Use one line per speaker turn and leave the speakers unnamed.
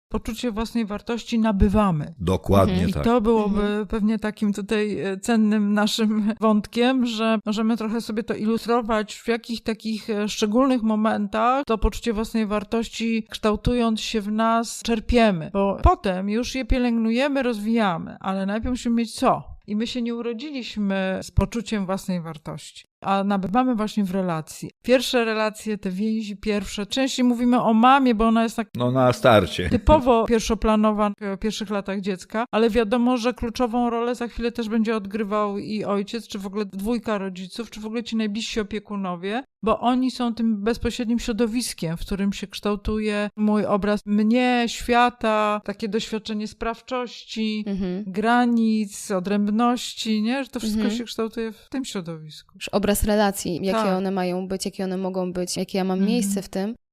poczucie własnej wartości nabywamy.
Dokładnie
I
tak.
to byłoby pewnie takim tutaj cennym naszym wątkiem, że możemy trochę sobie to ilustrować, w jakich takich szczególnych momentach to poczucie własnej wartości, kształtując się w nas, czerpiemy. Bo potem już je pielęgnujemy, rozwijamy, ale najpierw musimy mieć co? I my się nie urodziliśmy z poczuciem własnej wartości, a nabywamy właśnie w relacji. Pierwsze relacje, te więzi pierwsze, częściej mówimy o mamie, bo ona jest tak
No na starcie.
typowo pierwszoplanowa w pierwszych latach dziecka, ale wiadomo, że kluczową rolę za chwilę też będzie odgrywał i ojciec, czy w ogóle dwójka rodziców, czy w ogóle ci najbliżsi opiekunowie, bo oni są tym bezpośrednim środowiskiem, w którym się kształtuje mój obraz mnie, świata, takie doświadczenie sprawczości, granic, odrębności, nie? Że to wszystko się kształtuje w tym środowisku.
Już obraz relacji, jakie
Tak.
one mają być, jakie one mogą być, jakie ja mam miejsce w tym.